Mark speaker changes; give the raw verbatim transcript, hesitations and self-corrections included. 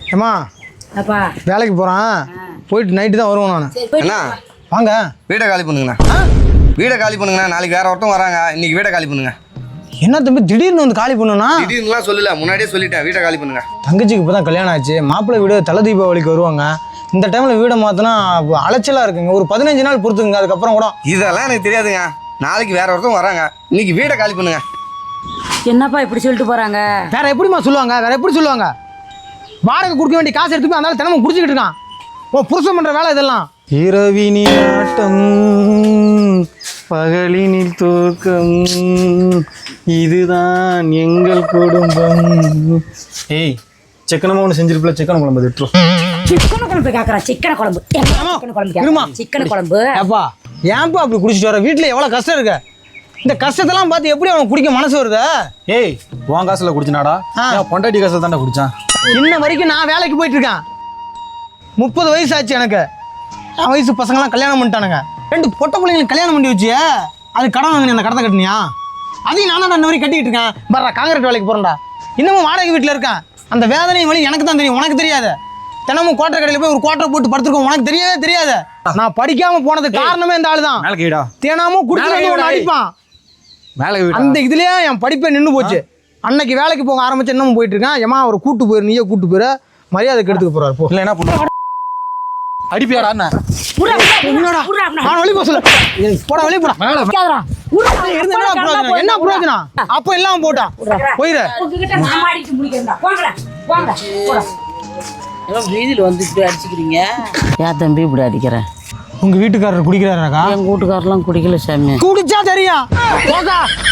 Speaker 1: ஏம்மா
Speaker 2: அப்பா
Speaker 1: வேலைக்கு போகிறேன், போயிட்டு நைட்டு தான் வருவேன் நான்.
Speaker 3: அண்ணா
Speaker 1: வாங்க
Speaker 3: வீடை காலி பண்ணுங்கண்ணா. வீடை காலி பண்ணுங்கண்ணா. நாளைக்கு வேற ஒருத்தம் வராங்க, இன்னைக்கு வீடை காலி பண்ணுங்க.
Speaker 1: என்ன தம்பி திடீர்னு வந்து காலி பண்ணுனா?
Speaker 3: திடீர்னுலாம் சொல்லல, முன்னாடியே சொல்லிட்டேன். வீடை காலி பண்ணுங்க.
Speaker 1: தங்கச்சிக்கு இப்போ தான் கல்யாணம் ஆச்சு, மாப்பிள்ளை வீடு தலை தீபாவளிக்கு வருவாங்க. இந்த டைமில் வீடை மாற்றினா அலைச்சலாக இருக்குங்க. ஒரு பதினஞ்சு நாள் பொறுத்துக்குங்க, அதுக்கப்புறம் கூட.
Speaker 3: இதெல்லாம் எனக்கு தெரியாதுங்க. நாளைக்கு வேற ஒருத்தம் வராங்க, இன்னைக்கு வீடை காலி பண்ணுங்க.
Speaker 2: என்னப்பா இப்படி சொல்லிட்டு போறாங்க?
Speaker 1: வேற எப்படிமா சொல்லுவாங்க? வேற எப்படி சொல்லுவாங்க? வாடகை கொடுக்க வேண்டிய காசு எடுத்து போய் அந்த தினமும் குடிச்சிக்கிட்டு இருக்கான். ஓ புருஷன் பண்ற வேலை இதெல்லாம். இரவினில் ஆட்டம் பகலினில் தூக்கம், இதுதான் எங்கள் குடும்பம். ஏய் சிக்கனமா ஒன்று செஞ்சிருப்பில, சிக்கன் குழம்பு எடுத்துரும்.
Speaker 2: சிக்கன குழம்பு கேட்கறான். சிக்கன குழம்பு சிக்கன குழம்பு கேட்கறான். சிக்கன குழம்பு
Speaker 1: ஏப்பா ஏன்பா அப்படி குடிச்சிட்டு வர? வீட்டில் எவ்வளோ கஷ்டம் இருக்கு. இந்த கஷ்டத்தெல்லாம் பார்த்து எப்படி அவனுக்கு குடிக்க மனசு வருது?
Speaker 4: ஏய் உன் காசுல குடிச்சினாடா? பொண்டாட்டி காசுல தாண்டா குடிச்சான்.
Speaker 1: இன்ன வரைக்கும் நான் வேலைக்கு போயிட்டு இருக்கேன். முப்பது வயசு ஆச்சு எனக்கு. என் வயசு பசங்களாம் கல்யாணம் பண்ணிட்டானுங்க. ரெண்டு பொட்டை பிள்ளைங்களுக்கு கல்யாணம் பண்ணி வச்சு அது கடன் வாங்கினி, அந்த கடத்தை கட்டினியா? அதையும் நான் தான் இன்ன வரைக்கும் கட்டிக்கிட்டு இருக்கேன். வர்றா காங்கிரீட் வேலைக்கு போகிறேன்டா. இன்னமும் வாடகை வீட்டில் இருக்கேன். அந்த வேதனையும் வழி எனக்கு தான் தெரியும், உனக்கு தெரியாது. தினமும் கோட்டை கடையில் போய் ஒரு கோட்டை போட்டு படுத்துருக்கோம், உனக்கு தெரியவே தெரியாது. நான் படிக்காம போனதுக்கு காரணமே இந்த ஆள் தான். தினமும் குடிச்சு ஒன்று அடிப்பான். அந்த இதுலயே என் படிப்பே நின்று போச்சு. அன்னைக்கு வேலைக்கு போக ஆரம்பிச்சு இன்னமும் போயிட்டு இருக்கேன். ஏமா ஒரு கூட்டு போயிரு, நீயே கூட்டு போயிரு, மரியாதை கெடுத்துக்க போறாரு. போ
Speaker 4: இல்லை என்ன பண்ண அடிப்பியாடா?
Speaker 1: என்னடா நான் வெளியே போக சொல்ல போடா, வெளியே போடா. என்ன பிரயோஜனம்? அப்ப எல்லாம் போட்டான் போயிரு.
Speaker 5: வீதியில் வந்து இப்படி அடிச்சுக்கிறீங்க ஏன் தம்பி இப்படி அடிக்கிறேன்?
Speaker 1: உங்க வீட்டுக்காரர் குடிக்கிறாராக்கா?
Speaker 5: எங்கள் வீட்டுக்காரெல்லாம் குடிக்கல சாமி.
Speaker 1: குடிச்சா தெரியும்.